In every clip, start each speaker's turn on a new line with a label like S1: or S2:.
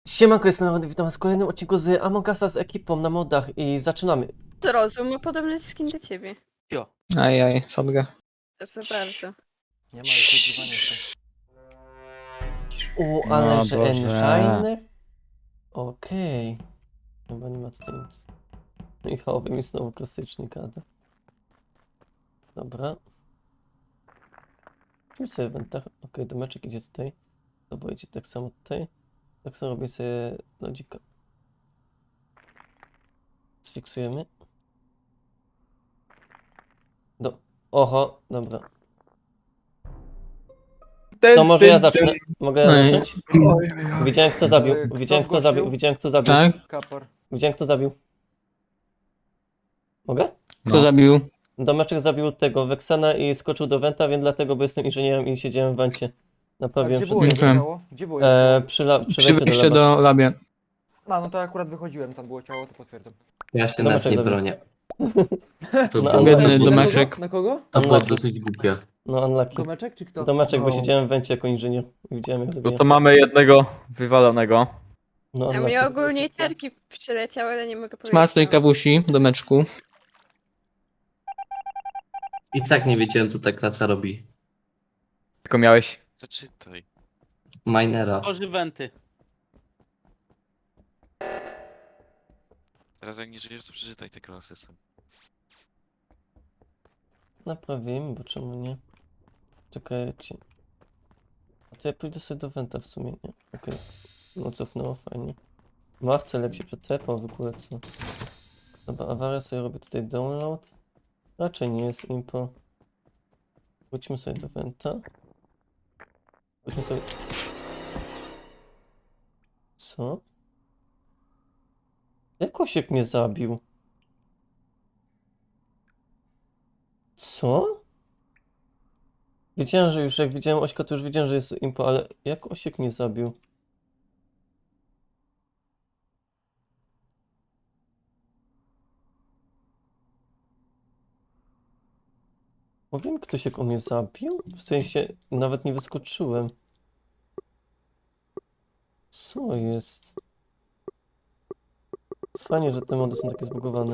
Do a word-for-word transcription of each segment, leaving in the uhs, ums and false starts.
S1: Siemanko, jestem Nawody, witam was w kolejnym odcinku z Among Usa z ekipą na modach i zaczynamy.
S2: Zrozum ma podobny skin do ciebie.
S3: Jo.
S4: Ajaj, sadga.
S2: Proszę bardzo.
S3: Nie ma już nagrywania się.
S1: O,
S4: No
S1: ale że
S4: Boże.
S1: engine. Okej. Chyba nie ma tutaj nic. Michałowy mi znowu klasycznie gada. Dobra. Czym sobie w wentach? Okej, domeczek idzie tutaj. Dobra, idzie tak samo tutaj. Tak samo robię sobie lodzika. Sfiksujemy. Do... Oho, dobra. To może ja zacznę. Mogę
S4: No i-
S1: zacząć? Widziałem kto zabił.
S3: Kto
S1: Widziałem kto
S3: zgłosił?
S1: zabił. Widziałem kto zabił.
S4: Tak?
S3: Kapor.
S1: Widziałem kto zabił. Mogę?
S4: Kto
S3: No.
S4: zabił?
S1: Domeczek zabił tego Weksana i skoczył do Wenta, wiem dlatego, bo jestem inżynierem i siedziałem w Wencie.
S3: A
S1: Naprawiłem
S3: gdzie
S1: przed
S3: było
S1: chwilą.
S3: jego
S4: Dziękuję.
S3: ciało? Gdzie było jego
S1: E,
S3: ciało?
S1: przy, la, przy
S4: Przy
S1: wejściu do
S4: wejściu
S1: laba.
S4: do labia.
S3: A, no to akurat wychodziłem, tam było ciało, to potwierdzam.
S5: Ja się
S1: Domeczek
S5: nawet nie
S1: zabił.
S5: bronię. To
S1: No,
S5: było,
S4: biedny
S1: unlucky.
S4: domeczek.
S3: Na kogo?
S5: to było
S1: Unlucky.
S5: dosyć głupie.
S1: No unlucky.
S3: Domeczek czy kto?
S1: Domeczek, bo
S4: No.
S1: siedziałem w Wencie jako inżynier. I widziałem jak
S6: No
S1: zabija.
S6: to mamy jednego wywalonego.
S1: No
S2: A
S1: unlucky.
S2: mnie ogólnie ciarki przyleciały, ale nie mogę powiedzieć.
S4: Smacznej
S2: co.
S4: kawusi, domeczku.
S5: I tak nie wiedziałem, co ta klasa robi.
S6: Tylko miałeś.
S7: Zaczytaj.
S5: Minera.
S7: Tworzy wenty. Teraz jak nie żyjesz, to przeczytaj te klasy są.
S1: Naprawimy, bo czemu nie? Czekajcie. A to ja pójdę sobie do Wenta w sumie, nie? Okej. No cofnęło, fajnie. Marcel jak się przetepał w ogóle, co? Dobra, awaria sobie robię tutaj download. Raczej nie jest impo. Wróćmy sobie do Wenta. Wróćmy sobie... Co? Jak Osiek mnie zabił? Co? Wiedziałem, że już jak widziałem Ośka, to już wiedziałem, że jest impo, ale jak Osiek mnie zabił? Powiem, ktoś jak on mnie zabił? W sensie, nawet nie wyskoczyłem. Co jest? Fajnie, że te mody są takie zbugowane.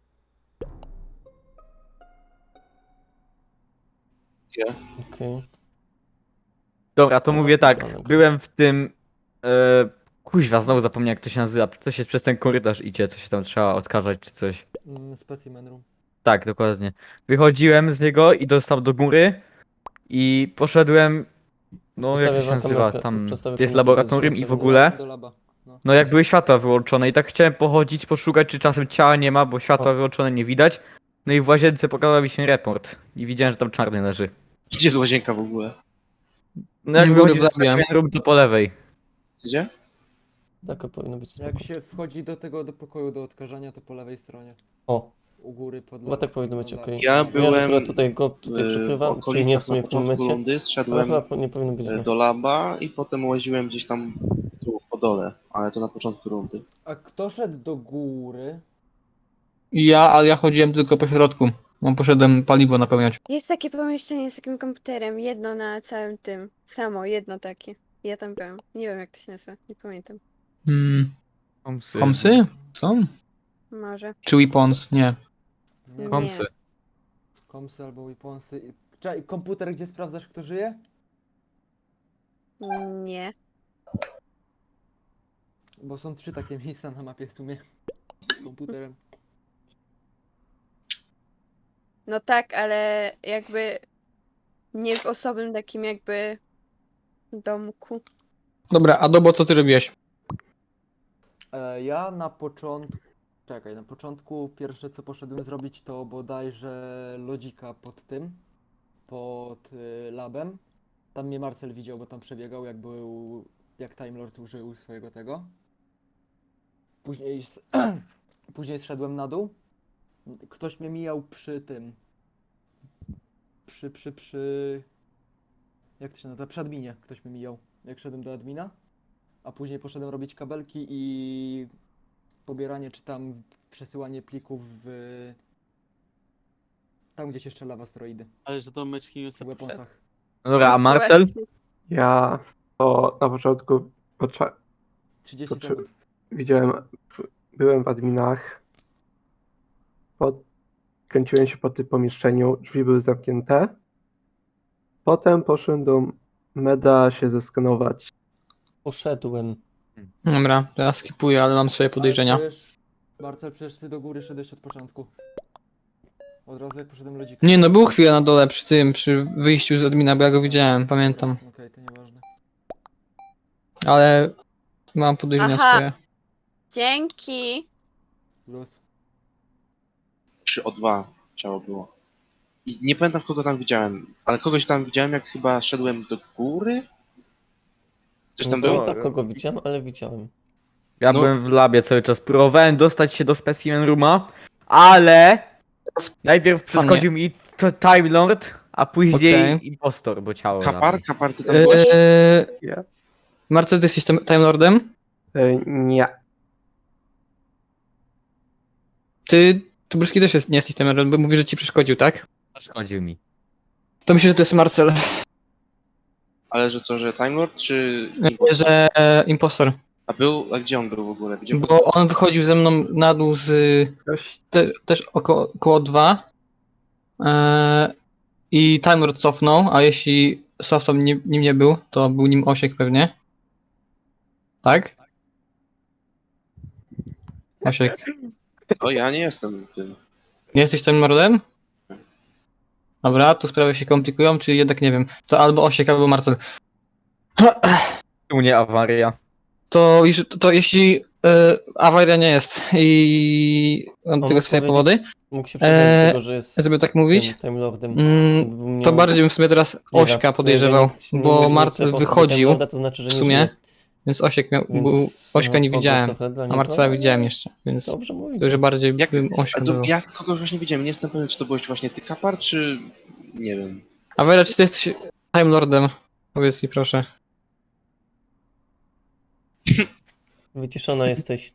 S1: Okej.
S6: Dobra, to
S1: No,
S6: mówię tak.
S1: ale-
S6: Byłem w tym. E, kuźwa, znowu zapomniałem jak to się nazywa. Coś jest przez ten korytarz idzie, co się tam trzeba odkażać czy coś.
S3: Mm, specimen room.
S6: Tak, dokładnie. Wychodziłem z niego i dostał do góry i poszedłem. No
S1: Zostawię
S6: jak to się
S1: wam
S6: nazywa?
S1: kamerkę,
S6: Tam
S1: przedstawię
S6: jest
S1: kamerkę,
S6: laboratorium
S1: żeby
S6: i w
S1: sobie
S6: ogóle.
S3: Do laba. No.
S6: No jak były światła wyłączone i tak chciałem pochodzić, poszukać czy czasem ciała nie ma, bo światła
S1: O.
S6: wyłączone nie widać. No i w łazience pokazał mi się report i widziałem, że tam czarny leży.
S8: Gdzie jest łazienka w ogóle?
S6: No jak
S4: Nie góry
S6: wychodzi
S4: w
S6: z
S4: labie.
S6: specimen room, to po lewej.
S8: Gdzie?
S1: Tak to powinno być spoko.
S3: Jak się wchodzi do tego do pokoju do odkażania, to po lewej stronie.
S1: O,
S3: U góry pod
S1: chyba
S3: laba.
S1: tak powinno być
S3: Pod
S1: okej.
S3: laba.
S8: Ja
S1: Ja, że
S8: byłem
S1: akurat tutaj go tutaj
S8: w
S1: przykrywam, czyli nie w
S8: okolicach
S1: sumie
S8: na
S1: w tym
S8: początku
S1: momencie.
S8: rundy,
S1: Ale
S8: zszedłem
S1: chyba po- nie powinno być
S8: e,
S1: źle.
S8: do laba i potem łaziłem gdzieś tam tu po dole, ale to na początku rundy.
S3: A kto szedł do góry?
S4: Ja, ale ja chodziłem tylko po środku. No, poszedłem paliwo napełniać.
S2: Jest takie pomieszczenie z takim komputerem, jedno na całym tym. Samo, jedno takie. Ja tam byłem. Nie wiem jak to się nazywa, nie pamiętam.
S4: Hmm.
S6: Komsy.
S4: Komsy? Są?
S2: Może.
S4: Czy weapons? Nie.
S3: Nie.
S2: Kom-
S6: Komsy.
S3: Komsy albo weaponsy. Czekaj, komputer, gdzie sprawdzasz kto żyje?
S2: Nie.
S3: Bo są trzy takie miejsca na mapie w sumie. Z komputerem.
S2: No tak, ale jakby nie w osobnym takim jakby domku.
S4: Dobra, Adobo, co ty robiłeś?
S3: E, ja na początku. Czekaj, na początku pierwsze co poszedłem zrobić to bodajże lodzika pod tym. Pod y, labem. Tam mnie Marcel widział, bo tam przebiegał jak był. Jak Time Lord użył swojego tego. Później. s- Później zszedłem na dół. Ktoś mnie mijał przy tym. Przy, przy, przy. Jak to się nazywa? Przy adminie ktoś mnie mijał. Jak szedłem do admina. A później poszedłem robić kabelki i pobieranie czy tam przesyłanie plików w... Tam gdzie się strzela w asteroidy,
S7: Ale że to meczki nie
S3: w weaponsach.
S6: No dobra, a Marcel?
S2: Właśnie.
S9: Ja to na początku pocza-
S3: trzydzieści
S9: To czy-
S3: sekund.
S9: Widziałem, byłem w adminach. Pod, kręciłem się po tym pomieszczeniu, drzwi były zamknięte. Potem poszedłem do meda się zeskanować.
S1: Poszedłem.
S4: Dobra, to ja skipuję, ale mam swoje podejrzenia.
S3: Ale przecież, Marcel, przecież ty do góry szedłeś od początku. Od razu jak poszedłem lodzika.
S4: Nie no, był chwilę na dole przy tym, przy wyjściu z admina, bo ja go widziałem, pamiętam.
S3: Okej, to nieważne.
S4: Ale mam podejrzenia
S2: Aha.
S4: swoje.
S2: Dzięki.
S3: Plus.
S8: Przy O dwa ciało było. I nie pamiętam kogo tam widziałem, ale kogoś tam widziałem jak chyba szedłem do góry? Coś tam
S1: Nie
S8: było?
S1: pamiętam kogo widziałem, ale widziałem.
S6: Ja
S8: No.
S6: byłem w labie cały czas, próbowałem dostać się do Specimen Rooma, ale najpierw przeszkodził mi to Time Lord, a później
S4: Okej.
S6: impostor, bo ciało na
S8: Kapar?
S6: mnie.
S8: Kapar, ty tam byłeś?
S4: Eee,
S9: Ja.
S4: Marcel, ty jesteś Time Time Lordem?
S9: E, nie.
S4: Ty, Tubryski też jest, nie jesteś Time Lordem, bo mówi, że ci przeszkodził, tak?
S6: Przeszkodził mi.
S4: To myślę, że to jest Marcel,
S8: Ale że co, że Time Lord czy...
S4: nie, że e, impostor.
S8: A był, a gdzie on był w ogóle? Gdzie był?
S4: Bo on wychodził ze mną na dół z
S9: Ktoś,
S4: te, też około, około dwa. Eee, I Time Lord cofnął, a jeśli Softom nim, nim nie był, to był nim Osiek pewnie. Tak? Osiek.
S8: O, ja nie jestem tym.
S4: Nie jesteś Time Lordem? Dobra, tu sprawy się komplikują, czy jednak nie wiem. To albo Osiek, albo Marcel.
S6: U mnie awaria.
S4: To, już- to, to jeśli e, awaria nie jest i mam
S1: On
S4: tego
S1: mógł
S4: swoje
S1: powiedzieć-
S4: powody,
S1: Mógł się przyznać
S4: Eee,
S1: do tego, że jest
S4: żeby tak mówić,
S1: tym Time Lordem.
S4: mm,
S1: Gdyby
S4: to
S1: miał-
S4: bardziej bym w sumie teraz
S1: Nie
S4: Ośka
S1: wiem,
S4: podejrzewał,
S1: jeżeli nikt nie-
S4: bo
S1: nie
S4: Marcel
S1: tepał sobie
S4: wychodził,
S1: Time Lorda, to znaczy, że
S4: w
S1: nie
S4: sumie,
S1: żyje.
S4: więc Osiek miał,
S1: Więc,
S4: był, Ośka nie
S1: no,
S4: widziałem,
S1: trochę dla
S4: a
S1: niego,
S4: Marcela
S1: ale
S4: widziałem jeszcze, więc
S1: Dobrze mówić.
S4: to, że bardziej
S8: Jak,
S4: bym
S8: a
S4: Ośka
S8: to,
S4: był.
S8: ja kogoś właśnie widziałem, nie jestem pewien, czy to byłeś właśnie ty Kapar, czy... nie wiem.
S4: A Wera, czy ty jesteś Time Lordem? Powiedz mi proszę.
S1: Wyciszona jesteś.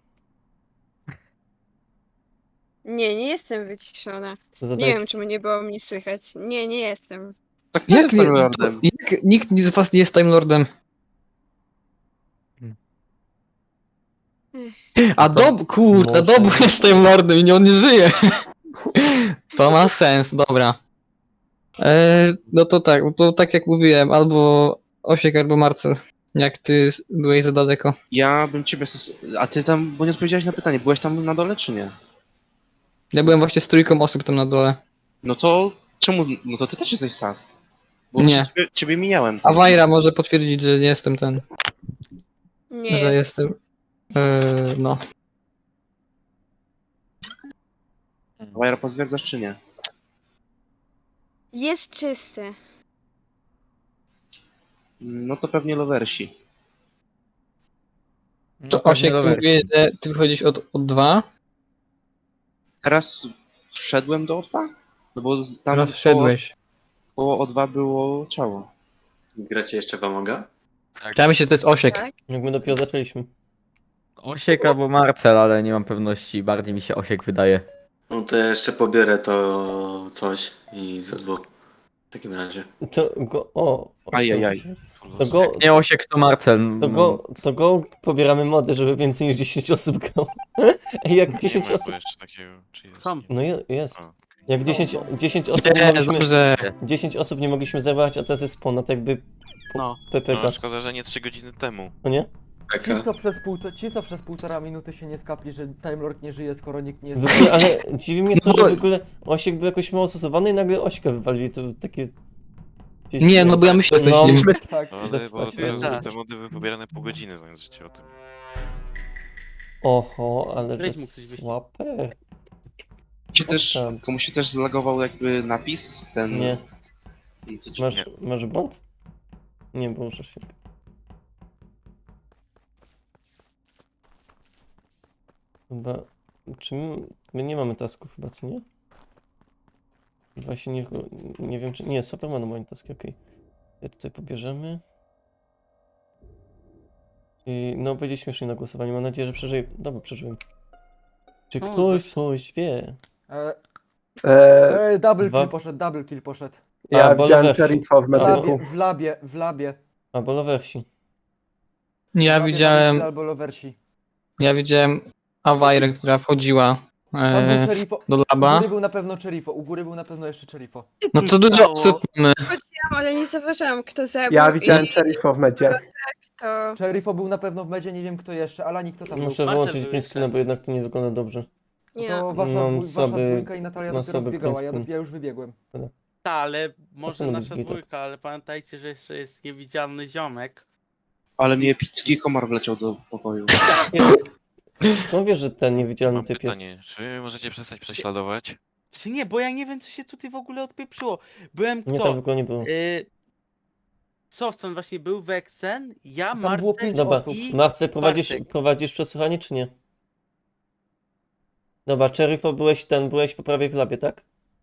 S2: Nie, nie jestem wyciszona. Nie
S1: Zadajcie.
S2: wiem, czemu nie było mnie słychać. Nie, nie jestem.
S8: Tak, ty
S4: Jak,
S8: jestem
S4: nie,
S8: Lordem.
S4: to, jak nikt z was nie jest Time Lordem? A Dob, kurde,
S1: Może.
S4: Dobu jest Time Lordem i nie, on nie żyje. To ma sens, dobra. E, no to tak, to tak jak mówiłem, albo Osiek, albo Marcel. Jak ty byłeś za daleko.
S8: Ja bym ciebie... stos- A ty tam, bo nie odpowiedziałeś na pytanie, byłeś tam na dole, czy nie?
S4: Ja byłem właśnie z trójką osób tam na dole.
S8: No to czemu... No to ty też jesteś sas. Bo
S4: Nie.
S8: właśnie Ciebie, ciebie mijałem.
S4: A Wajra może potwierdzić, że nie jestem ten,
S2: Nie
S4: że
S2: jest.
S4: jestem. E, no.
S8: Wajra, potwierdzasz, czy nie?
S2: Jest czysty.
S8: No to pewnie lowersi.
S4: To Osiek, ty mówiłeś, że ty wychodzisz od, od dwa,
S8: Teraz wszedłem do O dwa? No bo tam
S4: teraz
S8: koło-
S4: wszedłeś.
S8: Koło O dwa było ciało.
S5: Gracie jeszcze Wamoga?
S4: Ja myślę, że to jest Osiek.
S2: Tak?
S1: Jak my dopiero zaczęliśmy.
S6: Osiek albo Marcel, ale nie mam pewności, bardziej mi się Osiek wydaje.
S5: No to ja jeszcze pobierę to coś i ze dwóch. W takim razie.
S1: To go. O!
S8: Ajajaj.
S1: To go.
S6: Nie Osiek, to Marcel.
S1: To go, to go pobieramy mody, żeby więcej niż dziesięć osób grało. Ej, jak dziesięć
S7: nie
S1: osób.
S7: ma jeszcze takiego, czy jest?
S10: Sam.
S1: No je- jest.
S7: A, okej.
S1: Jak dziesięć, dziesięć osób nie
S4: Nie,
S1: mogliśmy.
S4: dobrze.
S1: dziesięć osób nie mogliśmy zebrać, a teraz jest ponad jakby
S10: No.
S7: No,
S1: P P K.
S7: szkoda, że nie trzy godziny temu.
S1: No nie?
S3: Ci co, przez pół, ci, co przez półtora minuty się nie skapli, że Time Lord nie żyje, skoro nikt nie
S1: W
S3: jest...
S1: ogóle, ale dziwi mnie to,
S4: No
S1: że
S4: bo-
S1: w ogóle Osiek był jakoś mało stosowany i nagle Ośka wywalili. To takie. gdzieś-
S4: Nie, no bo ja myślę, że
S1: No,
S4: jesteś nim.
S3: Tak.
S7: No, ale
S1: Bez
S7: bo
S1: spać,
S7: te,
S10: tak.
S7: te mody były pobierane pół godziny, zamiast życie o tym.
S1: Oho, ale że
S10: Weź mu coś wyślij.
S1: słabe.
S8: Się też,
S1: Tam.
S8: komuś się też zlagował jakby napis, ten...
S1: Nie.
S8: No to ci-
S1: Masz, masz błąd? Nie, bo muszę się. Chyba. Czy my, my nie mamy tasków chyba, co nie? Właśnie nie, nie wiem czy. Nie, Superman ma taski, okej. Ja tutaj pobierzemy. I no będzie śmiesznie na głosowaniu. Mam nadzieję, że przeżyję. Dobra, przeżyłem. Czy
S10: No,
S1: ktoś coś wie?
S3: E,
S9: E,
S3: e, double
S1: Dwa-
S3: kill poszedł, double kill poszedł.
S9: ja
S1: A, bo
S9: widziałem
S1: Lewersi.
S9: szeryfa w
S3: W labie,
S9: medyku.
S3: w labie, w labie.
S1: Albo Lowersi.
S4: Ja
S3: Labie
S4: widziałem,
S3: zamykli albo lowersi.
S4: ja widziałem Awajrę, która wchodziła
S3: Tam był
S4: e,
S3: Cherifo.
S4: do
S3: U
S4: laba.
S3: góry był na pewno Cherifo, u góry był na pewno jeszcze Cherifo.
S4: No to dużo osób mamy.
S2: Ale nie zauważyłam, kto zabił
S9: Ja widziałem
S2: i
S9: Cherifo w medzie.
S2: to...
S3: Cherifo był na pewno w medzie, nie wiem kto jeszcze, Alani kto tam był.
S1: Muszę
S10: Marcel
S1: wyłączyć
S10: był
S1: green
S10: jeszcze.
S1: screena, bo jednak to nie wygląda dobrze.
S2: Nie
S3: To
S2: no.
S3: wasza,
S1: Mam
S3: dwój, wasza
S1: słaby-
S3: dwójka i Natalia
S1: mam
S3: dopiero
S1: słaby
S3: wbiegała, ja,
S1: green
S3: do, ja już wybiegłem.
S10: Ta, ale może
S1: powinno być
S10: nasza
S1: git.
S10: dwójka, ale pamiętajcie, że jeszcze jest niewidzialny ziomek.
S8: Ale mi epicki komar wleciał do pokoju.
S1: Skąd wiesz, że ten niewidzialny
S7: Mam
S1: typ jest?
S7: pytanie, czy możecie przestać prześladować?
S10: Czy nie, bo ja nie wiem, co się tutaj w ogóle odpieprzyło. Byłem
S1: Nie,
S10: kto?
S1: tam w ogóle nie było.
S10: Y... Softson właśnie był, Vexen, ja,
S3: Tam było
S10: Marcel
S3: pięć
S1: Dobra,
S3: osób.
S10: i...
S1: Marce, prowadzisz,
S10: Bartek.
S1: prowadzisz przesłuchanie, czy nie? Dobra, Cherifo, byłeś ten, byłeś po prawej w labie, tak?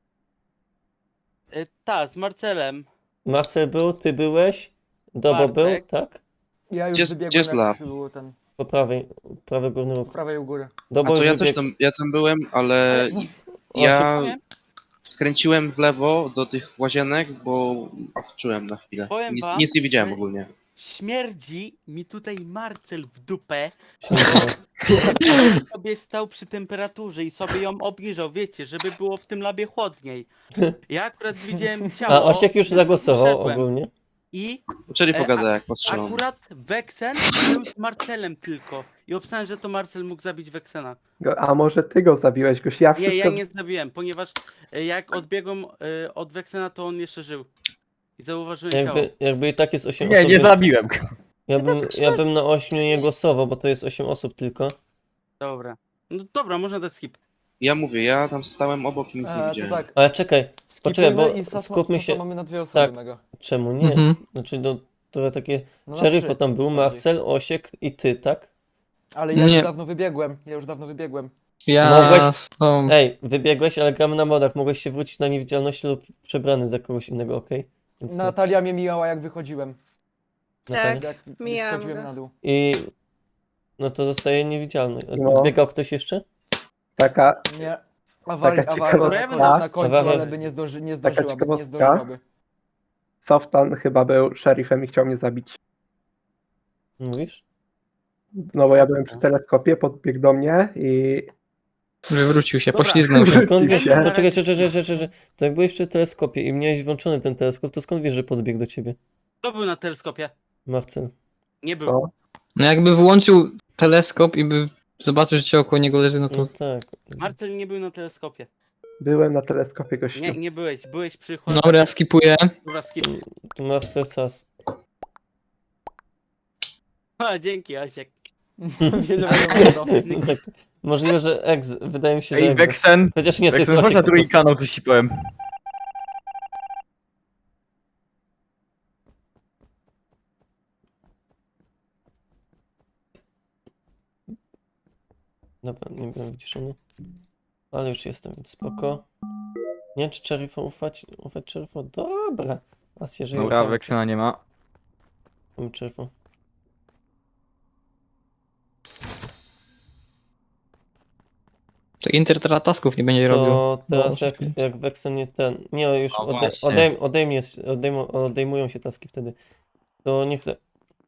S10: Y, ta, z Marcelem.
S1: Marcel był, ty byłeś, Dobo był,
S10: Bartek.
S1: tak?
S3: Ja już
S8: Gdzie-
S3: wybiegłem,
S8: gdzie jest
S3: jak
S8: lab?
S3: było ten,
S1: Po prawej, prawy górny
S3: po
S1: róg.
S3: prawej u góry.
S8: A
S1: Dobo
S8: to
S1: już
S8: ja też
S1: wybiegł.
S8: tam, ja tam byłem, ale ja skręciłem w lewo do tych łazienek, bo ach, czułem na chwilę.
S10: Powiem
S8: Nic,
S10: wam,
S8: nic nie widziałem
S10: że-
S8: ogólnie.
S10: Śmierdzi mi tutaj Marcel w dupę.
S1: Się nie dało.
S10: Sobie stał przy temperaturze i sobie ją obniżał, wiecie, żeby było w tym labie chłodniej. Ja akurat widziałem ciało.
S1: A Osiek już
S10: więc
S1: zagłosował
S10: poszedłem.
S1: ogólnie.
S10: I
S8: Czyli
S10: E,
S8: pogada jak postrzelam.
S10: akurat Vexen był z Marcelem tylko. I obstałem, że to Marcel mógł zabić Vexena.
S9: Go- A może ty go zabiłeś, goś? Ja
S10: Nie,
S9: wszystko...
S10: ja nie zabiłem, ponieważ e, jak odbiegłem e, od Vexena, to on jeszcze żył. I zauważyłem ciało.
S1: Jakby, jakby i tak jest osiem
S6: Nie,
S1: osób.
S6: nie
S1: więc
S6: zabiłem go.
S1: Ja bym, ja bym na ośmiu nie głosował, bo to jest osiem osób tylko.
S10: Dobra. No dobra, można dać skip.
S8: Ja mówię, ja tam stałem obok i nic nie
S3: E, to
S8: widziałem.
S3: tak,
S1: Ale czekaj, poczekaj, bo
S3: skipujmy i Sasma-
S1: skupmy
S3: Sasma
S1: się.
S3: mamy na dwie osoby
S1: Tak.
S3: mega.
S1: Czemu nie?
S4: Mhm.
S1: Znaczy, no, to takie.
S3: No na
S1: Cherifo
S3: trzy
S1: tam był,
S3: bardziej.
S1: Marcel, Osiek i ty, tak?
S3: Ale ja
S4: Nie.
S3: już dawno wybiegłem, ja już dawno wybiegłem.
S4: Ja
S1: Mogłeś-
S4: z tą...
S1: Ej, wybiegłeś, ale gramy na modach. Mogłeś się wrócić na niewidzialność lub przebrany za kogoś innego, okej? Więc no,
S3: Natalia mnie mijała jak wychodziłem.
S1: Natalia.
S2: Tak.
S3: Jak
S2: mijałam
S3: schodziłem
S2: go.
S3: na dół.
S1: I. No to zostaje niewidzialny.
S9: No.
S1: Biegał ktoś jeszcze?
S9: Taka,
S3: Nie. Awali,
S9: Taka
S3: awaria
S9: ciekawostka.
S3: na końcu,
S1: Awaria-
S3: ale by nie, zdąży, nie
S9: Taka
S3: zdążyłaby, nie
S9: ciekawostka.
S3: zdążyłaby.
S9: Softan chyba był szerifem i chciał mnie zabić.
S1: Mówisz?
S9: No bo ja byłem przy teleskopie, podbiegł do mnie i
S4: Wywrócił się,
S10: Dobra.
S4: poślizgnął się.
S1: To skąd wiesz?
S9: Oczywiście.
S1: Poczekaj, czekaj, czekaj, czekaj, czekaj. To jak byłeś przy teleskopie i miałeś włączony ten teleskop, to skąd wiesz, że podbiegł do ciebie?
S10: Kto był na teleskopie?
S1: Marcel.
S10: Nie był.
S9: co?
S4: No jakby włączył teleskop i by zobaczył, że ciało koło niego leży, no to...
S1: No tak.
S10: Marcel nie był na teleskopie.
S9: Byłem na teleskopie, gościu.
S10: Nie, nie byłeś. Byłeś przy chłodach.
S4: Dobra, skipuję.
S10: Dobra, skip.
S1: To Marcel Sas.
S10: A, dzięki, Osiek.
S3: Wiele
S1: No tak. Możliwe, że ex. Wydaje mi się, że
S6: Ej,
S1: ex.
S6: Vexen.
S1: Chociaż nie, to jest
S6: Vexen, chodź
S1: Osiek
S6: na
S1: po
S6: drugi
S1: prostu.
S6: kanał, coś ci powiem.
S1: Dobra, nie byłem wyciszony. Ale już jestem, więc spoko. Nie wiem, czy Cherifo ufać. Ufać Cherifo? Dobra. A się żyje.
S6: Dobra,
S1: ufam.
S6: Vexena nie ma.
S1: Ufam Cherifo.
S4: To Inter teraz tasków nie będzie robił.
S1: To teraz
S4: No,
S1: jak, jak Vexen nie ten. Nie, już
S6: No
S1: ode,
S6: właśnie.
S1: odejm, odejmie, odejmu, odejmują się taski wtedy. To niech. te-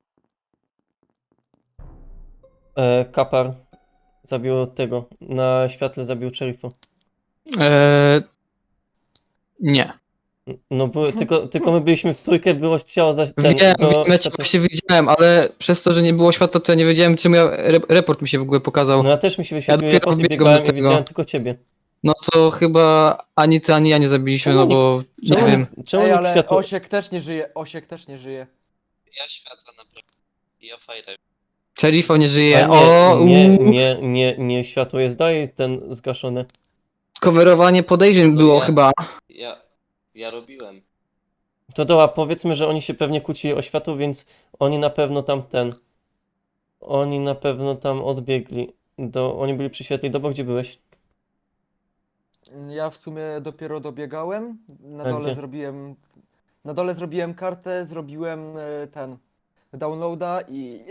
S1: E, Kapar zabił tego. Na świetle zabił Cherifo.
S4: Eee... Nie.
S1: No były, tylko, tylko my byliśmy w trójkę, było ciało za ten.
S4: Wiem,
S1: było
S4: wiem,
S1: światło-
S4: się widziałem, ale przez to, że nie było światła, to ja nie wiedziałem, czemu ja... Re report mi się w ogóle pokazał.
S1: No ja też mi się wyświetlił, ja,
S4: dopiero
S1: po tym
S4: wbiegłem
S1: biegałem
S4: do
S1: i
S4: tego.
S1: widziałem tylko ciebie.
S4: No to chyba ani ty, ani ja nie zabiliśmy,
S1: Czemu
S4: no bo nie
S1: Czemu,
S4: wiem.
S1: nikt- czemu
S3: Ej,
S1: nikt
S3: ale
S1: światło...
S3: Osiek też nie żyje, Osiek też nie żyje.
S11: Ja światła naprawdę. I ja fajrę.
S4: Szerifo nie żyje.
S1: A
S4: O,
S1: nie, nie,
S4: uuu.
S1: nie, nie, nie, światło jest dalej ten zgaszone.
S4: Coverowanie podejrzeń
S11: No
S4: było
S11: ja-
S4: chyba.
S11: Ja. Ja robiłem.
S1: To dobra, powiedzmy, że oni się pewnie kłócili o światło, więc oni na pewno tam ten... Oni na pewno tam odbiegli. Do, oni byli przy świetlej dobo, gdzie byłeś?
S3: Ja w sumie dopiero dobiegałem. Na
S1: A
S3: dole
S1: gdzie?
S3: zrobiłem. Na dole zrobiłem kartę, zrobiłem e, ten downloada i.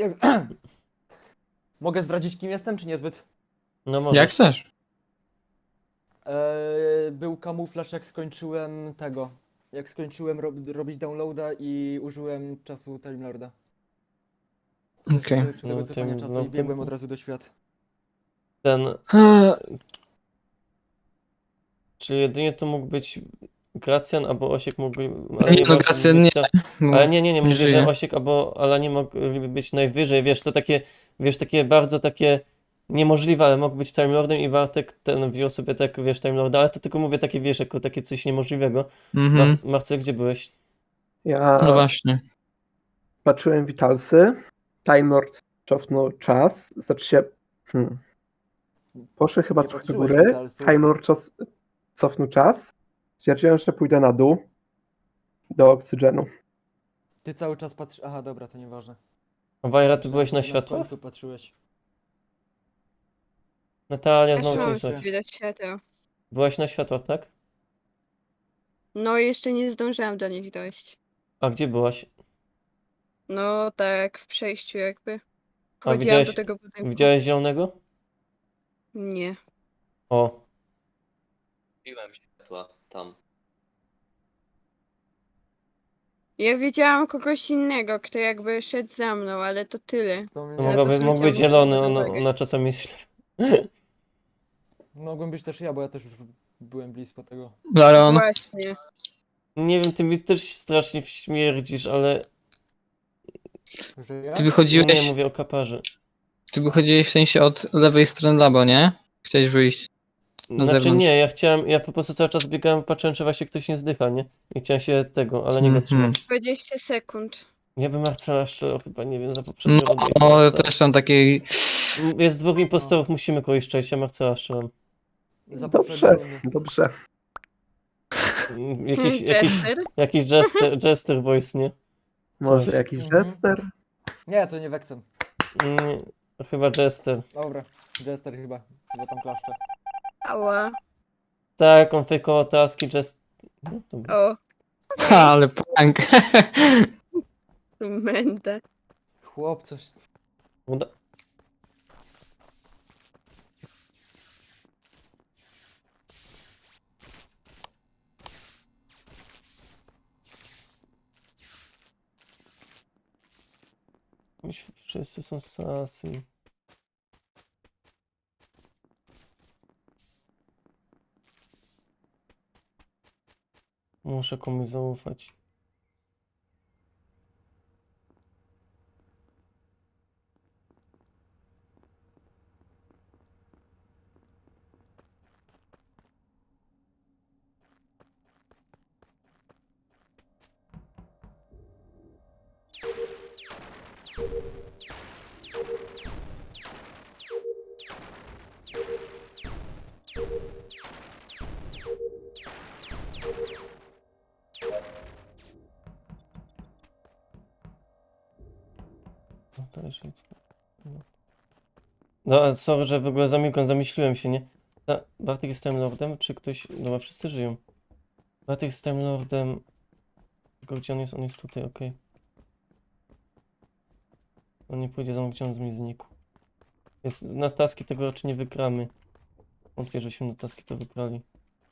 S3: Mogę zdradzić kim jestem, czy niezbyt?
S1: No może.
S4: Jak chcesz.
S3: E, był kamuflaż jak skończyłem tego. Jak skończyłem rob, robić downloada i użyłem czasu Time Lorda.
S4: Okej.
S3: Przy tego
S1: No,
S3: cofania
S1: tym-
S3: czasu
S1: no,
S3: i biegłem
S1: tym-
S3: od razu do świat.
S1: Ten,
S4: Eee,
S1: czy jedynie to mógł być Gracjan albo Osiek mógłby, ale
S4: Nie,
S1: nie
S4: no,
S1: bardzo
S4: Gracjan
S1: być
S4: nie,
S1: to,
S4: bo
S1: ale nie, nie, nie, mówię, że
S4: żyje.
S1: Osiek albo Ala nie mogli być najwyżej, wiesz, to takie, wiesz, takie bardzo takie niemożliwe, ale mógł być Time Lordem i Bartek ten wziął sobie tak, wiesz, Time Lorda, ale to tylko mówię takie, wiesz, jako takie coś niemożliwego.
S4: Mhm.
S1: Mar Marcel, gdzie byłeś?
S9: Ja
S4: No właśnie.
S9: patrzyłem witalsy. Time Lord cofnął czas. Znaczy się. Hmm. Poszły chyba
S3: Nie
S9: trochę do
S3: patrzyłeś
S9: góry.
S3: witalsów.
S9: Time Lord czas, cofnął czas. Stwierdziłem, że pójdę na dół. Do oksygenu.
S3: Ty cały czas patrzysz... Aha, dobra, to nieważne.
S1: A Wajra, ty
S3: Myślałem,
S1: byłeś
S3: że
S1: na
S3: Na
S1: światłach?
S3: końcu patrzyłeś.
S1: Natalia,
S2: Ja
S1: znowu cię
S2: mam
S1: słychać.
S2: drzwi do świateł.
S1: Byłaś na światłach, tak?
S2: No jeszcze nie zdążyłam do nich dojść.
S1: A gdzie byłaś?
S2: No tak, w przejściu jakby.
S1: A
S2: Chodziłam
S1: widziałeś,
S2: do tego budynku.
S1: widziałeś zielonego?
S2: Nie.
S1: O,
S11: Biłem światła tam.
S2: Ja widziałam kogoś innego, kto jakby szedł za mną, ale to tyle.
S3: To
S1: to
S3: mnie...
S2: to
S1: mogłaby, mógł
S2: zwróciłam
S1: być zielony,
S2: uwagę.
S1: ona, ona czasami jest...
S3: Mogłem być też ja, bo ja też już byłem blisko tego.
S4: Laron,
S2: Właśnie.
S1: Nie wiem, ty mi też strasznie śmierdzisz, ale...
S3: Że ja?
S4: ty
S1: Nie,
S4: wychodziłeś,
S1: mówię o kaparze.
S4: ty wychodziłeś w sensie od lewej strony labo, nie? Chciałeś wyjść. Na
S1: Znaczy
S4: zewnątrz.
S1: nie, ja chciałem, ja po prostu cały czas biegałem, patrzyłem, czy właśnie ktoś nie zdycha, nie? I chciałem się tego, ale nie go
S4: Mhm.
S1: trzymać.
S2: dwadzieścia sekund.
S1: Ja bym Marcela strzelał chyba, nie wiem, za poprzednią rundę. jak
S4: No,
S1: była
S4: też są takiej...
S1: Jest dwóch impostorów, musimy kogoś szczęścia, Marcela strzelam.
S3: Za
S9: Dobrze,
S3: poprzednią rundę.
S9: dobrze.
S1: Mm, Jakiś, jakiś,
S2: Jester?
S1: jakiś jester, jester voice, nie?
S9: Może
S1: Coś.
S9: jakiś
S3: Mhm.
S9: jester?
S3: Nie, to nie Wexen.
S1: Mm, Chyba jester.
S3: Dobra, Jester chyba. Chyba tam klaszcze.
S2: Ała.
S1: Tak, on fejkował taski, jest... No, dobra.
S2: O,
S4: Ha, ale prank.
S2: tu mędę.
S3: Chłop, coś...
S1: Uda... Wszyscy są sasy. Muszę komuś zaufać. No to już nic. No. No, sorry, że w ogóle zamilkłem, zamyśliłem się, nie? A, Bartek jest Time Lordem, czy ktoś... Dobra, wszyscy żyją. Bartek jest Time Lordem. Tylko gdzie on jest? On jest tutaj, okej. On nie pójdzie za mną, gdzie on z mnie znikł. Jest, na taski tego raczej nie wygramy. Wątpię, żeśmy na taski to wygrali.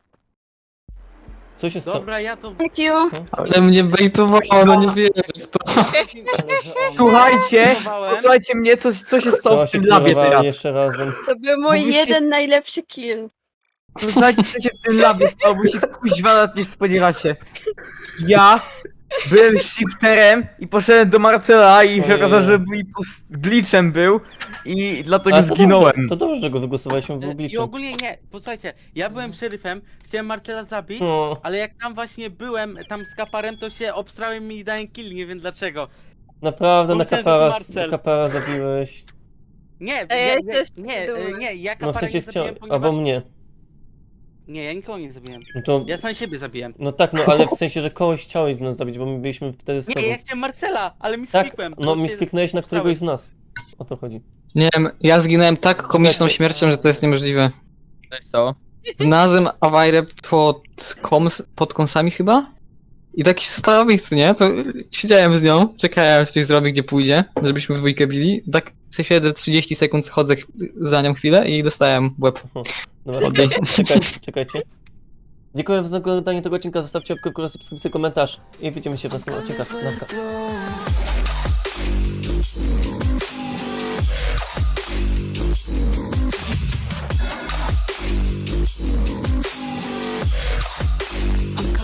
S1: Co się stało?
S10: Dobra, ja to...
S2: Thank you.
S1: Co?
S4: Ale mnie bejtowało, no nie wierzę w to.
S3: Ale że on...
S6: Słuchajcie,
S10: Próbowałem.
S6: posłuchajcie mnie, co, co się stało
S1: Co
S6: w
S1: się
S6: tym labie
S1: kierowali
S6: teraz.
S1: jeszcze razem?
S2: To był mój
S6: Mówisz-
S2: jeden najlepszy kill.
S6: Słuchajcie, co się w tym labie stało, bo się kuźwa nawet nie spodziewacie. Ja byłem shifterem i poszedłem do Marcela i się
S1: Ojej.
S6: okazało, że mój pos- glitchem był i dlatego
S1: Ale to
S6: zginąłem.
S1: Dobrze, to dobrze, że go wygłosowaliśmy, był
S10: E, I
S1: glitchem.
S10: ogólnie nie, posłuchajcie, ja byłem szeryfem, chciałem Marcela zabić,
S1: No,
S10: ale jak tam właśnie byłem, tam z kaparem, to się obstrałem i dałem kill, nie wiem dlaczego.
S1: naprawdę na
S10: Pomyślałem, że to
S1: kapara,
S10: Marcel.
S1: kapara zabiłeś.
S10: Nie,
S2: A ja
S10: ja, ja,
S2: też
S10: nie,
S2: dumna.
S10: e, nie, ja
S1: No w
S10: kapara
S1: sensie
S10: nie
S1: chciał,
S10: zabiłem, ponieważ...
S1: albo mnie.
S10: Nie, ja nikogo nie zabiłem.
S1: No to,
S10: Ja sam siebie zabiłem.
S1: no tak, no ale w sensie, że kogoś chciałeś z nas zabić, bo my byliśmy wtedy z tobą.
S10: Nie, ja chciałem Marcela, ale mi
S1: Tak,
S10: skipłem.
S1: no mi skliknąłeś na któregoś z nas. O to chodzi.
S4: Nie wiem, ja zginąłem tak komiczną
S1: Czekajcie.
S4: śmiercią, że to jest niemożliwe.
S6: Co się stało?
S4: Znalazłem Awajrę pod, koms, pod kąsami chyba? I tak stała w miejscu, nie? To siedziałem z nią, czekałem, czy coś zrobi, gdzie pójdzie, żebyśmy w dwójkę bili. Tak się siedzę trzydzieści sekund, chodzę ch- za nią chwilę i dostałem w łeb.
S1: Dobra,
S4: Oddaj.
S1: czekajcie, czekajcie. Dziękuję za oglądanie tego odcinka, zostawcie łapkę w górę, subskrypcję, komentarz i widzimy się w następnym odcinku. Narka.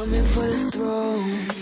S12: coming for the throne.